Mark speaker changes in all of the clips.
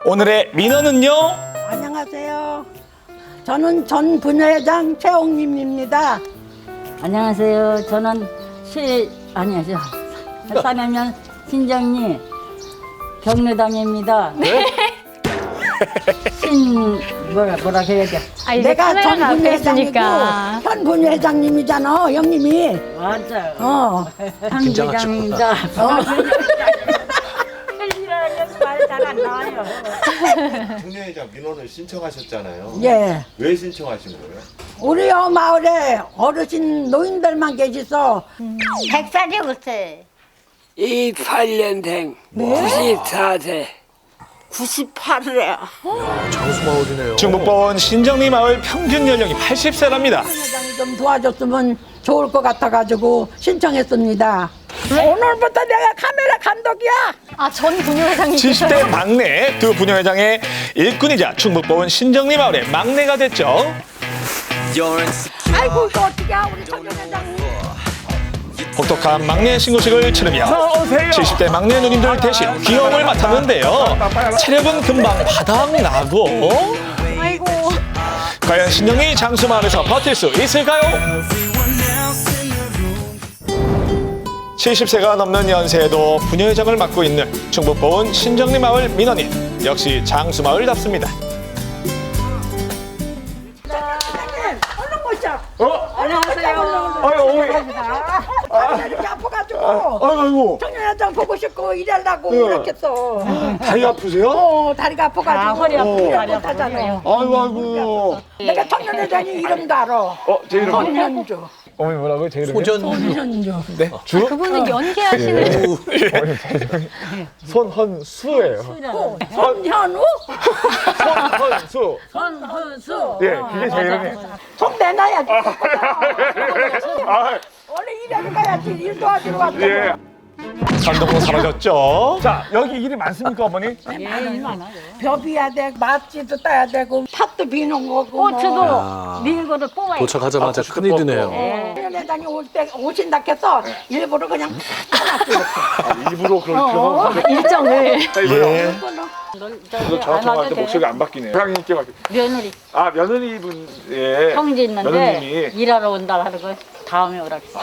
Speaker 1: 오늘의 민원은요?
Speaker 2: 안녕하세요. 저는 전 분회장 최홍림입니다.
Speaker 3: 안녕하세요. 저는 사면면 신정리 경로당입니다.
Speaker 1: 네?
Speaker 3: 뭐라 해야 돼?
Speaker 4: 아, 이제
Speaker 2: 내가 전
Speaker 4: 카메라가 앞에
Speaker 2: 분회장이고
Speaker 4: 있으니까.
Speaker 2: 현 분회장님이잖아, 형님이.
Speaker 3: 맞아요. 경기장입니다. 말잘안 나와요.
Speaker 5: 분회장 민원을 신청하셨잖아요.
Speaker 2: 예.
Speaker 5: 왜 신청하신 거예요?
Speaker 2: 우리 마을에 어르신 노인들만 계셔서
Speaker 6: 100살이 없어요.
Speaker 7: 28년생 94세
Speaker 6: 98이래요.
Speaker 8: 장수마을이네요.
Speaker 1: 중북본 신정리 마을 평균 연령이 80세랍니다.
Speaker 2: 분회장이 좀 도와줬으면 좋을 것 같아가지고 신청했습니다. 오늘부터 내가 카메라 감독이야.
Speaker 4: 아, 전 분회장님.
Speaker 1: 70대 막내 두 부녀회장의 일꾼이자 충북본 신정리 마을의 막내가 됐죠.
Speaker 2: 아이고 이거 어떻게 우리 전 분회장님.
Speaker 1: 혹독한 막내 신고식을 치르며 70대 막내 누님들 대신 귀여움을 맡았는데요. 체력은 금방 바닥나고
Speaker 4: 아이고.
Speaker 1: 과연 신정리 장수마을에서 버틸 수 있을까요? 70세가 넘는 연세에도 부녀회장을 맡고 있는 충북보은 신정리 마을 민원인, 역시 장수마을답습니다.
Speaker 2: 얼른 모셔.
Speaker 3: 안녕하세요.
Speaker 1: 아유, 어머니.
Speaker 2: 다리가 이렇게 아파가지고
Speaker 1: 아이고,
Speaker 2: 청년회장 보고 싶고 일하려고 이렇게 했어.
Speaker 1: 다리 아프세요?
Speaker 2: 다리가 아파가지고
Speaker 3: 허리 아프고 다리
Speaker 2: 못하잖아요.
Speaker 1: 아이고.
Speaker 2: 내가 청년회장이 이름도 알아.
Speaker 1: 제 이름
Speaker 2: 손현주.
Speaker 1: 어머니 뭐라고요? 제 이름이요?
Speaker 2: 손현주.
Speaker 1: 네, 주?
Speaker 4: 그분은 연기하시는.
Speaker 1: 어머니 제 이름이 손헌수예요.
Speaker 2: 손현우?
Speaker 1: 손헌수.
Speaker 3: 선수.
Speaker 1: 예, 그게 제 이름이에요.
Speaker 2: 손 내놔야지. 원래 일하러 가야지. 일 도와주러 왔잖아.
Speaker 1: 예. 감동도 사라졌죠. 자, 여기 일이 많습니까, 어머니?
Speaker 2: 벼비야 되고 맛지도 따야 되고 팥도 비는 거고.
Speaker 3: 고추도 밀고도 뽑아요.
Speaker 8: 도착하자마자 큰일이네요.
Speaker 2: 청년회장이 올 때 오신다 해서 일부러 그냥
Speaker 1: 일부러 그런
Speaker 4: 일정을.
Speaker 1: 예.
Speaker 3: 이거 저한테 목소리가
Speaker 1: 안 바뀌네요. 회장님께 바뀌.
Speaker 3: 며느리
Speaker 1: 아, 며느리분, 예.
Speaker 3: 형제 있는데
Speaker 1: 며느님이.
Speaker 3: 일하러 온다 하는 거 다음에 오라 그랬어.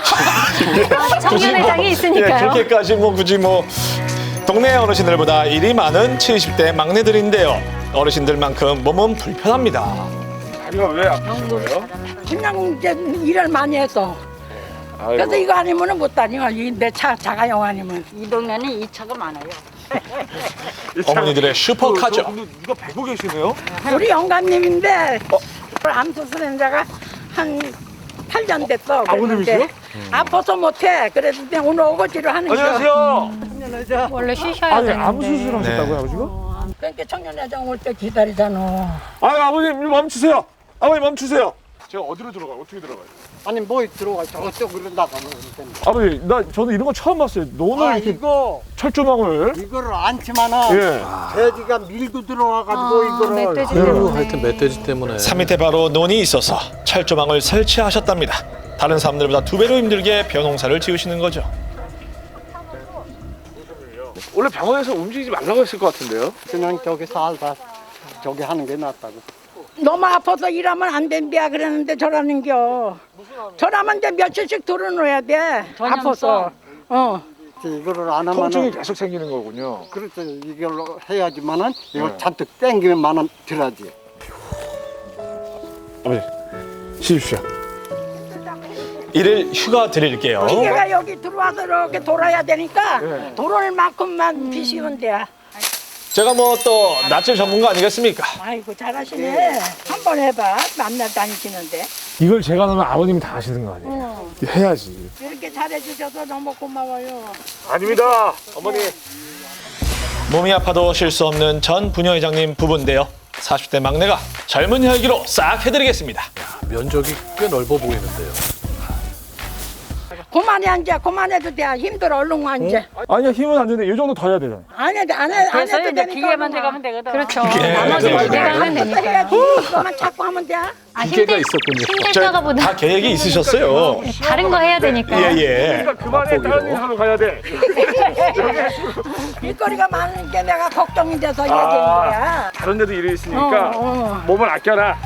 Speaker 4: 청년회장이
Speaker 1: 예,
Speaker 4: 있으니까요.
Speaker 1: 그렇게까지 뭐 굳이 뭐 동네 어르신들보다 일이 많은 70대 막내들인데요. 어르신들만큼 몸은 불편합니다. 다리가 왜 아프신 거예요?
Speaker 2: 그냥 이제 일을 많이 해서. 그래서 이거 아니면은 못 다녀. 내 차 자가용 아니면.
Speaker 3: 이 동네는 이 차가 많아요.
Speaker 1: 어머니들의 슈퍼카죠.
Speaker 8: 누가 배고 계시네요?
Speaker 2: 우리 영감님인데 암 수술한 한 8년 됐어.
Speaker 1: 아버님이세요?
Speaker 2: 아파서 못해. 그래서 그냥 오늘 오거지로 하는 거야.
Speaker 4: 원래 쉬셔야 되는데.
Speaker 1: 암 수술하셨다고요, 아버지가?
Speaker 2: 그러니까 청년회장 올 때 기다리잖아.
Speaker 1: 아버님 멈추세요. 아버님 멈추세요. 제가 어디로 들어가요? 어떻게 들어가요?
Speaker 9: 아니 뭐 들어가 저쪽으로 나가면 되는데.
Speaker 1: 아버지, 저는 이런 거 처음 봤어요. 오늘 이렇게
Speaker 9: 이거
Speaker 1: 철조망을.
Speaker 9: 이거를 안치면은
Speaker 1: 예.
Speaker 9: 돼지가 밀고 들어와가지고 이거를
Speaker 4: 멧돼지
Speaker 8: 아이고,
Speaker 4: 때문에.
Speaker 8: 하여튼 멧돼지 때문에.
Speaker 1: 산 밑에 바로 논이 있어서 철조망을 설치하셨답니다. 다른 사람들보다 2배로 힘들게 벼농사를 지으시는 거죠. 원래 병원에서 움직이지 말라고 했을 것 같은데요?
Speaker 9: 그냥 저기 살다 저기 하는 게 낫다고.
Speaker 2: 너무 아파서 일하면 안 된대야 그랬는데 저라는겨. 저라면 이제 며칠씩 들어놓아야 돼. 아파서.
Speaker 9: 이거를 안 하면은
Speaker 1: 통증이 계속 생기는 거군요.
Speaker 9: 그렇죠. 이걸로 해야지만은 이거 잔뜩 땡기면만은 들어야지.
Speaker 1: 아버지, 쉬십시오. 일일 휴가 드릴게요.
Speaker 2: 기계가 여기 들어와서 이렇게 돌아야 되니까 돌을 만큼만 비시면 돼.
Speaker 1: 제가 뭐 또 낯질 전문가 아니겠습니까?
Speaker 2: 아이고 잘하시네. 한번 해봐. 만날 다니시는데.
Speaker 1: 이걸 제가 넣으면 아버님이 다 하시는 거 아니에요? 해야지.
Speaker 2: 이렇게 잘해주셔서 너무 고마워요.
Speaker 1: 아닙니다, 어머니. 몸이 아파도 쉴 수 없는 전 부녀회장님 부부인데요. 40대 막내가 젊은 혈기로 싹 해드리겠습니다.
Speaker 8: 면적이 꽤 넓어 보이는데요.
Speaker 2: 고마워. 그만해 이제 그만해도 돼. 힘들어 얼른 와 이제.
Speaker 10: 아니야 힘은 안 되는데 이 정도 더 해야 되잖아.
Speaker 2: 안 해도 안
Speaker 3: 그래서
Speaker 2: 해도
Speaker 3: 이제
Speaker 2: 되니까.
Speaker 3: 기계만 돼가면 되거든.
Speaker 4: 그렇죠.
Speaker 1: 예,
Speaker 4: 나머지
Speaker 1: 네,
Speaker 4: 기대가 하면
Speaker 2: 또
Speaker 4: 되니까.
Speaker 2: 해야지. 이거만 자꾸 하면 돼.
Speaker 8: 기계가 있었군요.
Speaker 4: 힘들
Speaker 1: 다
Speaker 4: 때가보다
Speaker 1: 계획이 있으셨어요.
Speaker 4: 다른 거 해야 되니까.
Speaker 1: 예.
Speaker 10: 그만해 다른 일 하러 가야 돼.
Speaker 2: 일거리가 많은 게 내가 걱정이 돼서 얘기한 거야.
Speaker 10: 다른 데도 일이 있으니까 몸을 아껴라.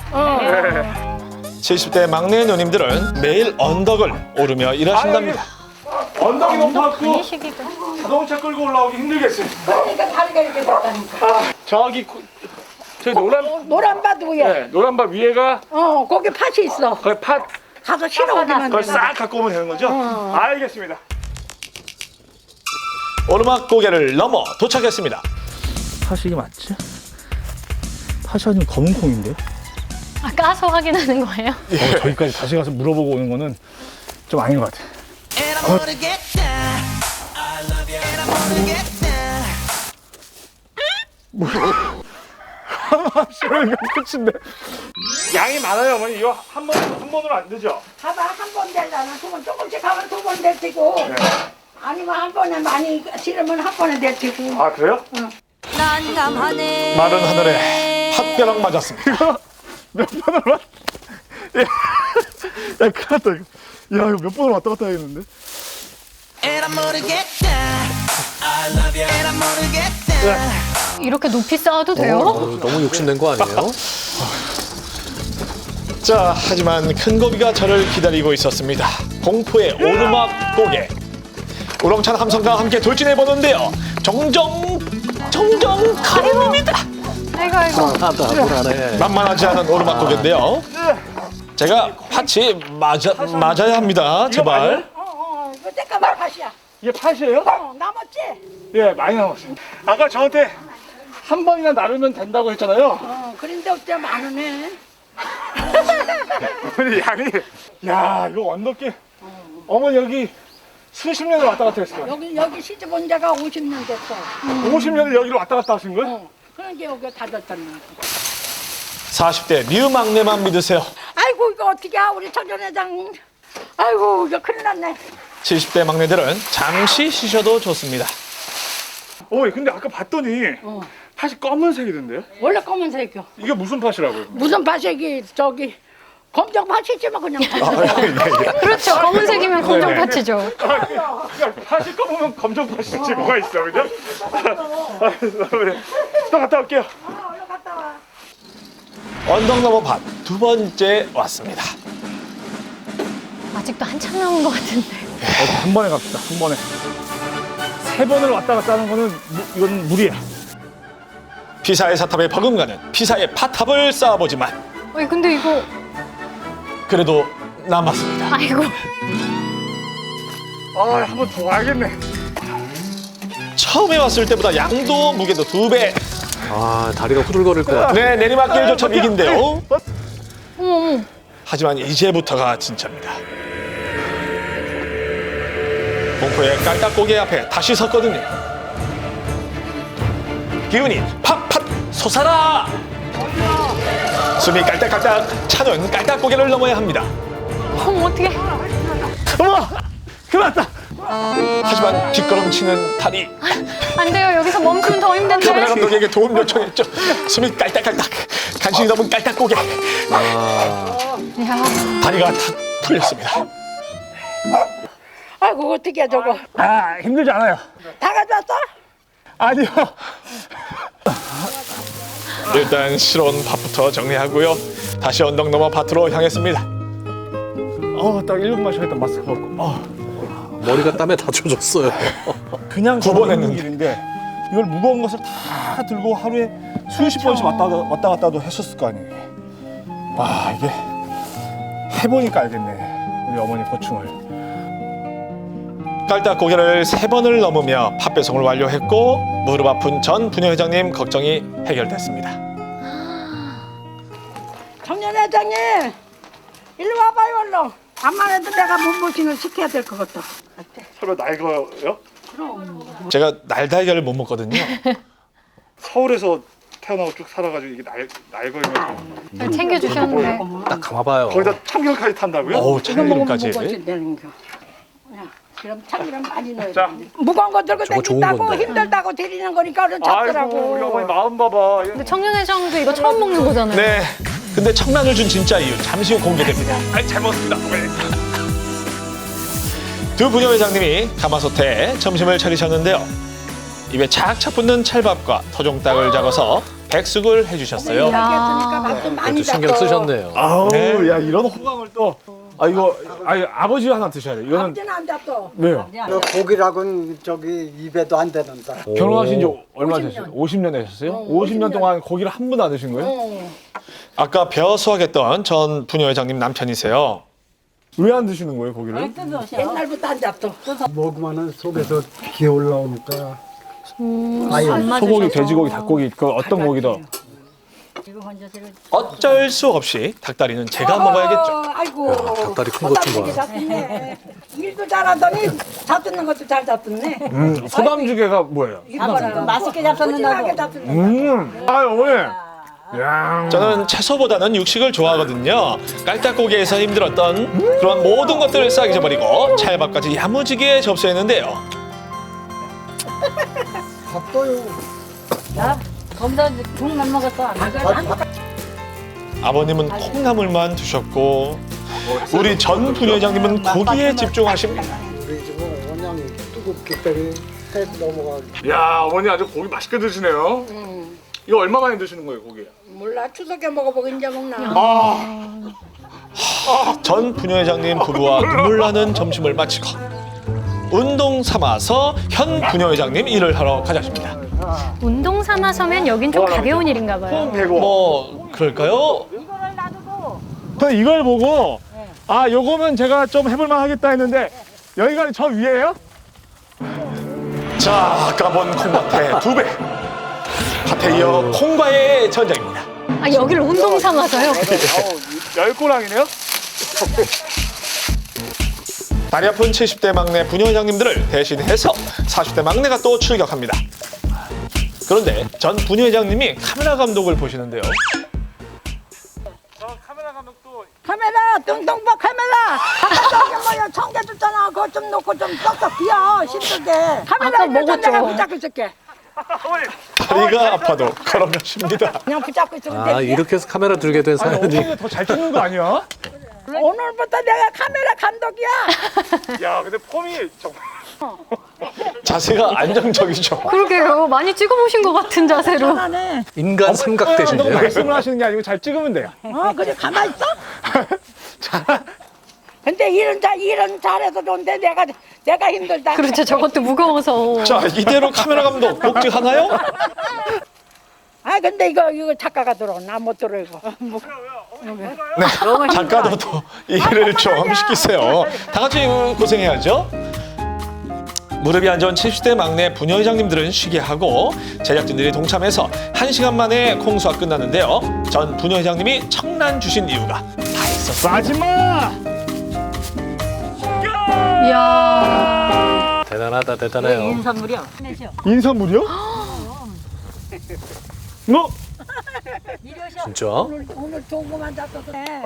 Speaker 1: 70대 막내 누님들은 매일 언덕을 오르며 일하신답니다.
Speaker 10: 언덕이 높아갖고
Speaker 4: 이 시기가.
Speaker 10: 자동차 끌고 올라오기 힘들겠어요.
Speaker 2: 그러니까 다리가 이렇게 됐다니까.
Speaker 10: 저기 저기
Speaker 2: 노란밭 위에.
Speaker 10: 네, 노란밭 위에가
Speaker 2: 거기 팥이 있어.
Speaker 10: 거기 팥
Speaker 2: 가서 실어오기만
Speaker 10: 그걸
Speaker 2: 돼.
Speaker 10: 싹 갖고 오면 되는 거죠? 알겠습니다.
Speaker 1: 오르막 고개를 넘어 도착했습니다.
Speaker 10: 팥이 이게 맞지? 팥이 아니면 검은 콩인데?
Speaker 4: 아, 까서 확인하는 거예요?
Speaker 10: 저기까지 다시 가서 물어보고 오는 거는 좀 아닌 것 같아. 하나만 끝인데. 양이 많아요, 어머니. 이거 한 번으로 안 되죠?
Speaker 2: 봐봐 한 번 되잖아. 두 번 조금씩 하면 두 번 될 테고. 아니면 한 번에 많이 실으면 한 번에 될 테고.
Speaker 10: 아, 그래요?
Speaker 4: 난감하네.
Speaker 1: 마른 하늘에 팥벼락 맞았습니다.
Speaker 10: 몇 번을 왔? 야, 큰일 났다, 이거. 야, 이거 몇 번을 왔다 갔다 해야겠는데?
Speaker 4: 이렇게 높이 쌓아도 돼요?
Speaker 8: 너무 욕심낸 거 아니에요?
Speaker 1: 자, 하지만 큰 고비가 저를 기다리고 있었습니다. 공포의 오르막 고개. 우렁찬 함성과 함께 돌진해보는데요. 정정 가능합니다.
Speaker 4: 아이고.
Speaker 8: 불안해.
Speaker 1: 만만하지 않은 오르막 고개인데요. 제가 팥이 맞아야 합니다. 제발.
Speaker 2: 이거 잠깐만 팥이야.
Speaker 10: 이게 팥이에요?
Speaker 2: 남았지?
Speaker 10: 예, 많이 남았어요. 아까 저한테 한 번이나 나르면 된다고 했잖아요.
Speaker 2: 그런데 어째 많으네.
Speaker 10: 어머니 양이, 야, 이거 언덕길. 어머니 여기 수십 년을 왔다 갔다 했어요.
Speaker 2: 여기 시집 온 지가 50년 됐어.
Speaker 10: 50년을 여기로 왔다 갔다 하신 거예요?
Speaker 2: 그러니까 여기가 다 됐잖아.
Speaker 1: 40대 미우 막내만 믿으세요.
Speaker 2: 아이고 이거 어떻게 우리 전 회장. 아이고 이거 큰일 났네.
Speaker 1: 70대 막내들은 잠시 쉬셔도 좋습니다.
Speaker 10: 어머니 근데 아까 봤더니 팥이 검은색이던데요?
Speaker 2: 원래 검은색이요.
Speaker 10: 이게 무슨 팥이라고요?
Speaker 2: 무슨 팥이기 저기 검정 팥이지만 그냥 팥.
Speaker 4: 그렇죠. 검은색이면 검정 파츠죠.
Speaker 10: 팥이 검으면 검정 팥이지 뭐가 있어, 그죠? 또 갔다 올게요.
Speaker 2: 얼른 갔다 와.
Speaker 1: 언덕 넘어 밭 두 번째 왔습니다.
Speaker 4: 아직도 한참 남은 것 같은데.
Speaker 10: 한 번에 갑시다, 한 번에. 세 번을 왔다 갔다 하는 거는 이건 무리야.
Speaker 1: 피사의 사탑에 버금가는 피사의 팥탑을 쌓아보지만
Speaker 4: 근데 이거.
Speaker 1: 그래도 남았습니다.
Speaker 4: 아이고.
Speaker 10: 아, 한 번 더 와야겠네.
Speaker 1: 처음에 왔을 때보다 양도 무게도 2배.
Speaker 8: 아, 다리가 후들거릴 것 같아.
Speaker 1: 네, 내리막길조차 위기인데요.
Speaker 4: 어머.
Speaker 1: 하지만 이제부터가 진짜입니다. 공포의 깔딱고개 앞에 다시 섰거든요. 기운이 팍팍 솟아라! 숨이 깔딱깔딱 차는 깔딱고개를 넘어야 합니다.
Speaker 4: 어머, 어떡해.
Speaker 10: 어머! 큰일 났다!
Speaker 1: 하지만 뒷걸음치는 다리.
Speaker 4: 안 돼요. 여기서 멈추면 더
Speaker 1: 카메라
Speaker 4: 힘든데.
Speaker 1: 감독에게 도움 요청했죠. 숨이 깔딱깔딱. 간신히 넘은 깔딱고개.
Speaker 4: 이야.
Speaker 1: 다리가 탁 풀렸습니다.
Speaker 2: 아이고 어떻게 저거.
Speaker 10: 아, 힘들지 않아요.
Speaker 2: 다 가져왔어?
Speaker 10: 아니요.
Speaker 1: 일단 실온 밭부터 정리하고요. 다시 언덕 넘어 밭으로 향했습니다.
Speaker 10: 딱 1분만 쉬었다 마스크 벗고.
Speaker 8: 머리가 땀에 다 젖었어요.
Speaker 10: 그냥
Speaker 1: 두 번
Speaker 10: 걸어오는
Speaker 1: 했는데.
Speaker 10: 길인데 이걸 무거운 것을 다 들고 하루에 수십 번씩 왔다 갔다도 했었을 거 아니에요. 와, 이게 해보니까 알겠네. 우리 어머니 고충을.
Speaker 1: 깔딱고개를 3번을 넘으며 팥배송을 완료했고 무릎 아픈 전 부녀회장님 걱정이 해결됐습니다.
Speaker 2: 청년 회장님 일로 와봐요 얼른. 암만 해도 내가 몸보신을 시켜야 될 것 같다.
Speaker 10: 설마 날 거요?
Speaker 1: 제가 날달걀을 못 먹거든요.
Speaker 10: 서울에서 태어나고 쭉 살아가지고 이게 날거이면
Speaker 4: 챙겨주셨는데.
Speaker 8: 딱 감아봐요.
Speaker 10: 거기다 참견까지 탄다고요?
Speaker 1: 어우,
Speaker 2: 이거 먹으면
Speaker 1: 참기름까지.
Speaker 2: 몸보신 되는 거. 그럼 참기름 많이 넣어야
Speaker 10: 자.
Speaker 2: 돼. 무거운 거 들고
Speaker 8: 저거 좋은
Speaker 2: 다닌다고
Speaker 8: 건데.
Speaker 2: 힘들다고 데리는 거니까 얼른
Speaker 10: 아이고 우리
Speaker 2: 잡더라고.
Speaker 10: 어머니 마음 봐봐.
Speaker 4: 근데 청년회장도 이거 처음 먹는 거잖아요.
Speaker 1: 네. 근데 청란을 준 진짜 이유 잠시 후 공개됩니다.
Speaker 10: 아이 잘 먹었습니다.
Speaker 1: 두 부녀회장님이 가마솥에 점심을 차리셨는데요. 입에 착착 붙는 찰밥과 토종닭을 잡아서 백숙을 해주셨어요.
Speaker 2: 이렇게 했으니까 밥도 많이
Speaker 8: 그래도 신경
Speaker 2: 잡고.
Speaker 8: 쓰셨네요.
Speaker 10: 아우
Speaker 1: 네.
Speaker 10: 야 이런 호강을 또. 아 이거 아버지 하나 드셔야 돼. 이거는
Speaker 2: 아버지는 안 잡고.
Speaker 10: 왜요?
Speaker 9: 고기라고는 저기 입에도 안 되는다.
Speaker 10: 결혼하신 지 얼마 되셨어요? 50년 되셨어요? 50년 동안 고기를 한 번도 안 드신 거예요?
Speaker 1: 아까 벼 수확했던 전 부녀회장님 남편이세요.
Speaker 10: 왜 안 드시는 거예요 고기를?
Speaker 2: 옛날부터 안 잡고.
Speaker 9: 먹으면은 속에서 기 올라오니까. 아유,
Speaker 10: 소고기, 돼지고기, 닭고기 그 어떤 고기도.
Speaker 1: 어쩔 수 없이 닭다리는 제가 먹어야겠죠.
Speaker 2: 아이고.
Speaker 8: 닭다리 큰 것 좀 봐요.
Speaker 2: 잡혔네. 일도 잘하더니 잡듣는 것도 잘 잡듣네.
Speaker 10: 소담주개가 뭐예요?
Speaker 3: 맛있게 잡혔는다고.
Speaker 10: 아 어머니. 야.
Speaker 1: 저는 채소보다는 육식을 좋아하거든요. 깔딱고기에서 힘들었던 그런 모든 것들을 싹 잊어버리고 찰밥까지 야무지게 접수했는데요.
Speaker 9: 밥도요.
Speaker 3: 거기다 국만 먹었어. 안 먹었어.
Speaker 1: 아버님은 콩나물만 드셨고 우리 전 부녀회장님은 고기에 집중하십니다.
Speaker 9: 우리 집은 원양이 뜨겁기 때문에 해 넘어가.
Speaker 10: 야 어머니 아주 고기 맛있게 드시네요. 이거 얼마 만에 드시는 거예요 고기?
Speaker 2: 몰라 추석에 먹어보고 이제 먹나.
Speaker 1: 전 부녀회장님 부부와 눈물 나는 점심을 마치고 운동 삼아서 현 부녀회장님 일을 하러 가자십니다.
Speaker 4: 운동 삼아서면 여긴 좀 가벼운 일인가 봐요.
Speaker 10: 배고.
Speaker 1: 뭐 그럴까요?
Speaker 10: 저는 이걸 보고 아 요거면 제가 좀 해볼만 하겠다 했는데 여기가 저 위에요?
Speaker 1: 자, 까본 콩밭의 2배. 밭에 이어 콩과의 전쟁입니다.
Speaker 4: 아, 여기를 운동 삼아서요?
Speaker 10: 열꼬랑이네요?
Speaker 1: 다리 아픈 70대 막내 부녀회장님들을 대신해서 40대 막내가 또 출격합니다. 그런데 전 부녀회장님이 카메라 감독을 보시는데요.
Speaker 10: 카메라 감독도
Speaker 2: 카메라 뚱뚱봐 카메라. 저기 뭐야 청개 줬잖아. 그거 좀 놓고 좀 썩썩 비어 힘들게. 카메라
Speaker 4: 아까
Speaker 2: 있는
Speaker 4: 먹었죠.
Speaker 2: 내가 붙잡고 있을게.
Speaker 1: 다리가 아파도 걸어가십니다.
Speaker 2: 그냥 붙잡고 있으면
Speaker 8: 아,
Speaker 2: 돼.
Speaker 8: 이렇게 해서 카메라 들게 된 사연이.
Speaker 10: 어머니가 더 잘 찍는 거 아니야?
Speaker 2: 오늘부터 내가 카메라 감독이야.
Speaker 10: 야 근데 폼이 정말
Speaker 1: 자세가 안정적이죠.
Speaker 4: 그러게요. 많이 찍어보신 것 같은 자세로.
Speaker 2: 하네.
Speaker 8: 인간 삼각
Speaker 10: 너무
Speaker 8: 대신데.
Speaker 10: 말씀을 하시는 게 아니고 잘 찍으면 돼요.
Speaker 2: 그래 가만 있어. 근데 일은 잘해서 좋은데 내가 힘들다.
Speaker 4: 그렇죠. 저것도 무거워서.
Speaker 1: 자, 이대로 카메라 감독 복직하나요?
Speaker 2: 아 근데 이거 작가가 들어. 나 못 들어 이거.
Speaker 1: 네, 작가도 또 일을 좀 시키세요. 다 같이 고생해야죠. 무릎이 안 좋은 70대 막내 부녀회장님들은 쉬게 하고 제작진들이 동참해서 1시간 만에 콩수가 끝났는데요. 전 부녀회장님이 청란 주신 이유가 다 있었습니다.
Speaker 10: 마지막!
Speaker 4: 이야.
Speaker 8: 대단하다, 대단해요.
Speaker 3: 인선물이요.
Speaker 10: 인선물이요? 너?
Speaker 8: 진짜?
Speaker 2: 오늘 좋은 거만 잡숴서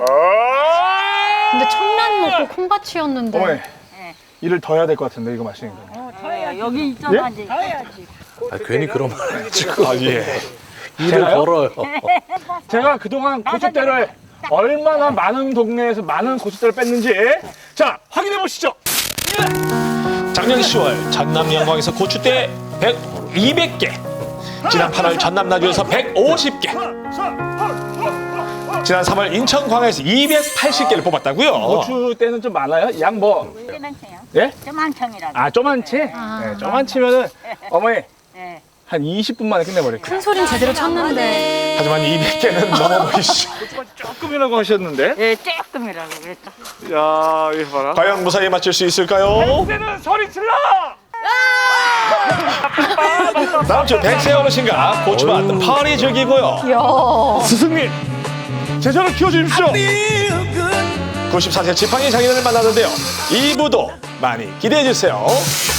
Speaker 4: 근데 청란 먹고 콩밭이었는데.
Speaker 10: 어머니 일을 더 해야 될 것 같은데 이거 마시는 거.
Speaker 3: 여기 있잖아.
Speaker 10: 예?
Speaker 3: 이제.
Speaker 8: 아, 괜히 그런 말 해가지고.
Speaker 1: 아, 예.
Speaker 8: 일을
Speaker 10: 제가요?
Speaker 8: 벌어요.
Speaker 10: 제가 그동안 고추대를 얼마나 많은 동네에서 많은 고추대를 뺐는지 자 확인해 보시죠.
Speaker 1: 작년 10월 전남 영광에서 고추대 200개, 지난 8월 전남 나주에서 150개, 지난 3월 인천 광야에서 280개를 뽑았다고요.
Speaker 10: 고추대는 좀 많아요? 양 뭐?
Speaker 3: 쪼만청이요.
Speaker 10: 예?
Speaker 3: 쪼만청이라고.
Speaker 10: 아 쪼만치? 네, 쪼만치면은 어머니
Speaker 3: 네.
Speaker 10: 한 20분 만에 끝내버릴게요.
Speaker 4: 큰 소린 제대로 쳤는데.
Speaker 1: 하지만 200개는 넘어보이시죠.
Speaker 10: 조금이라고 하셨는데?
Speaker 3: 예, 조금이라고 그랬다.
Speaker 10: 야 이거 봐라.
Speaker 1: 과연 무사히 맞출 수 있을까요?
Speaker 10: 때는 소리 질러!
Speaker 1: 다음 주 100세 어르신과 고추밭 파리 즐기고요.
Speaker 4: 이야.
Speaker 10: 스승님 제자를 키워주십시오.
Speaker 1: 94세 지팡이 장인을 만나는데요. 2부도 많이 기대해 주세요.